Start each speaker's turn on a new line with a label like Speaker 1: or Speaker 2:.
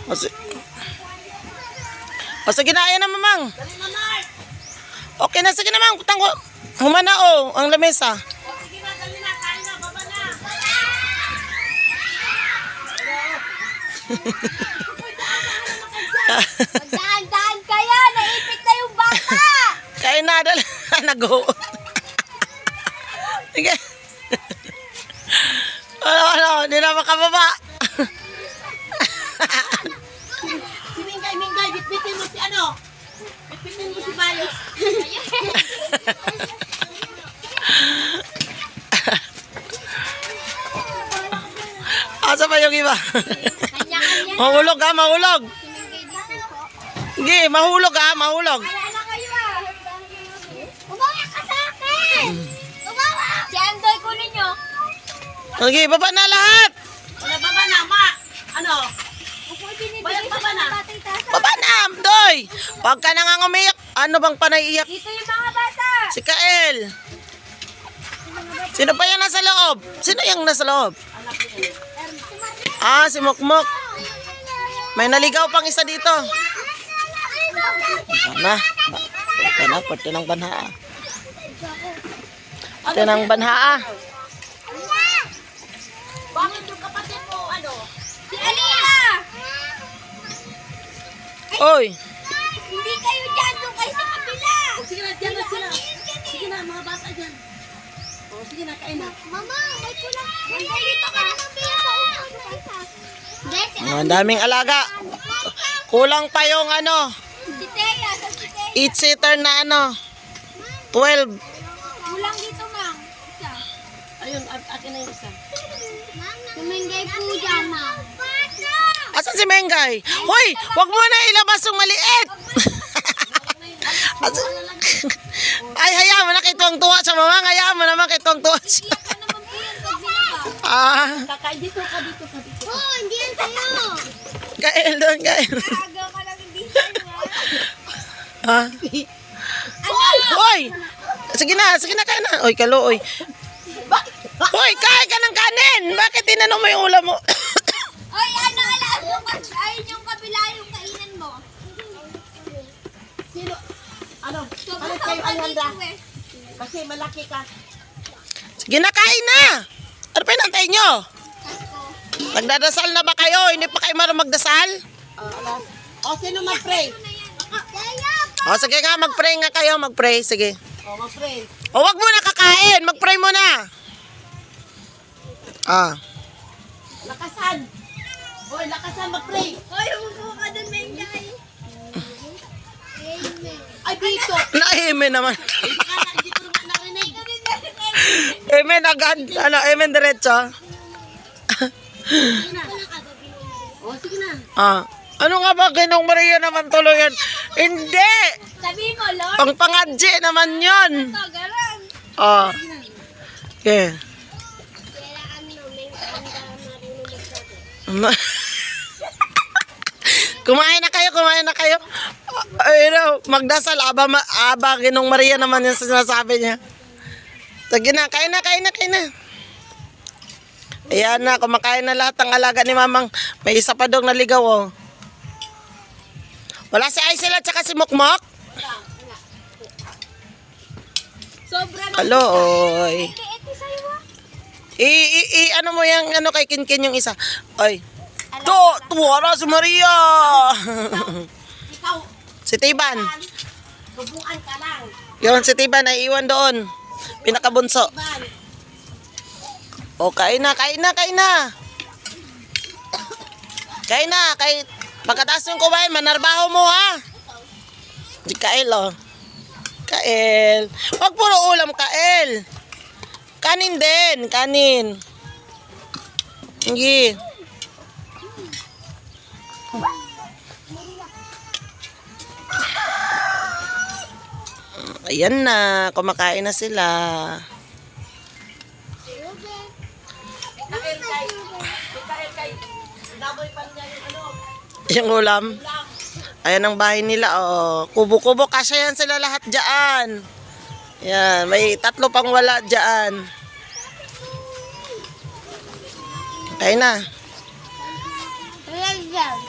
Speaker 1: O sige na, ayan na mamang. Okay na, sige na mang. Putang ko. Humana o, ang lamesa.
Speaker 2: Sige na, dali na, kain na, baba na.
Speaker 3: Magdaan-daan kaya, naipit na yung baka.
Speaker 1: Kain na, dala. Nag-o. Sige. Ano, hindi na makababa.
Speaker 2: Si Mingay, bitbitin mo si ano? Bitbitin mo si Bayos.
Speaker 1: Asa pa yung iba?
Speaker 3: Kanya-kanya.
Speaker 1: Mahulog ha, mahulog. Sige, mahulog ha, mahulog.
Speaker 3: Wala na kayo ah. Umawa ka sa akin. Umawa. Si Andoy, kunin nyo.
Speaker 1: Sige, baba na lahat.
Speaker 2: Wala, baba na, ma. Ano?
Speaker 3: Ako binibigay
Speaker 2: Bayad
Speaker 3: sa
Speaker 2: baba na.
Speaker 3: mga batang tasa.
Speaker 1: Baba na, Doy. Huwag ka na nga umiyak. Ano bang panaiiyak?
Speaker 3: Dito yung mga bata.
Speaker 1: Si Kael. Sino pa yan nasa loob? Sino yung nasa loob? Ah, si Mukmuk. May naligaw pang isa dito. Na. Pati ng banhaa. Pati ng banhaa.
Speaker 2: Bakit yung kapatid mo, ano?
Speaker 3: Si Aliyah.
Speaker 1: Oy.
Speaker 3: Hindi kayo dyan. Doon kayo sa kabila.
Speaker 2: O, sige na, dyan na sila. Sige na, mga bata dyan. O, sige na, kain na.
Speaker 3: Mama, may kulang. Dito ka na ng biya sa ulo.
Speaker 1: Ang daming alaga. Kulang pa yung ano,
Speaker 3: Si Teya, sa si Teya.
Speaker 1: 8-seater na ano, 12.
Speaker 3: Kulang dito, ma'am. Isa.
Speaker 2: Ayun, akin na yung isa.
Speaker 3: Tumingay po dyan, ma'am.
Speaker 1: Asan si Mengay? Hoy, wag mo na ilabas yung maliit. Ay, hayaan mo na kay tuwang-tuwa siya, mamang. Hayaan mo naman kay tuwang-tuwa siya.
Speaker 3: Iyak ka naman po yan pag binaba.
Speaker 1: Ah,
Speaker 2: Kakain dito ka.
Speaker 3: Oh, hindi yan sa'yo.
Speaker 1: Kael doon, Kael.
Speaker 3: Agaw ka lang hindi sa'yo,
Speaker 1: Ha? Hoy! Sige na, kain na. Oy, kaluoy. Hoy, kain ka ng kanin. Bakit tinanong mo yung ulam mo?
Speaker 3: Oy, ano, alam mo, ayun yung kabila yung kainan mo.
Speaker 2: Sino? Ano?
Speaker 3: Sobrang
Speaker 2: Palit kayo
Speaker 3: sobrang
Speaker 2: ang handa.
Speaker 3: dito eh.
Speaker 2: Kasi malaki ka.
Speaker 1: Sige na, kain na. Ano pa hinantay nyo? Nagdadasal na ba kayo? Hindi pa kayo marunong magdasal?
Speaker 2: Alas. O, sino mag-pray?
Speaker 1: O, sige nga, mag-pray nga kayo. Mag-pray, sige.
Speaker 2: O, mag-pray.
Speaker 1: O, wag mo na kakain. Mag-pray mo na. Ah.
Speaker 2: Lakasan. Hoy, lakasan, mag-pray.
Speaker 3: Oy, umupo ka dun, Mengay. Amen.
Speaker 2: Ay, dito.
Speaker 1: Na-amen naman.
Speaker 2: Baka hindi ko naman narinig.
Speaker 1: Amen agad. Ano, amen diretso.
Speaker 2: O, sige na.
Speaker 1: Ah. Ano nga ba, Ginong Maria naman tuloy yan? Hindi!
Speaker 3: Sabi mo, Lord.
Speaker 1: Pangpangadji naman yun.
Speaker 3: Ito, garang.
Speaker 1: Ah. Okay.
Speaker 3: Kailangan mo, Mengay, marunong magsabi.
Speaker 1: Kumain na kayo. Ay, no, magdasal, aba, Ginong Maria naman yung sinasabi niya. Sige na, kain na. Ayan na, kumakain na lahat ng alaga ni Mamang. May isa pa dong naligaw, oh. Wala si Aisel at saka si Mukmok?
Speaker 3: Sobrang
Speaker 1: Aloy.
Speaker 3: ito sa'yo ah.
Speaker 1: Ano mo yung, ano kay Kinkin yung isa? Ay. Tuwara si Maria.
Speaker 2: Ikaw,
Speaker 1: Si Tiban.
Speaker 2: tubuan ka lang.
Speaker 1: Yun, si Tiban ay iwan doon. Pinakabunso.
Speaker 2: Ban.
Speaker 1: O, kain na. Pagkataas yung kumain, manarbaho mo ha. Di Kael, oh. Kael. Huwag puro ulam, Kael. Kanin din, kanin. Sige. Ayan na, kumakain na sila.
Speaker 2: Kay, daboy pa niya yung ano.
Speaker 1: Yung ulam. Ayan ang bahay nila, oh. Kubo-kubo, kasya yan sila lahat dyan. Yan, may 3 pang wala dyan. Kain na.
Speaker 3: Ayan.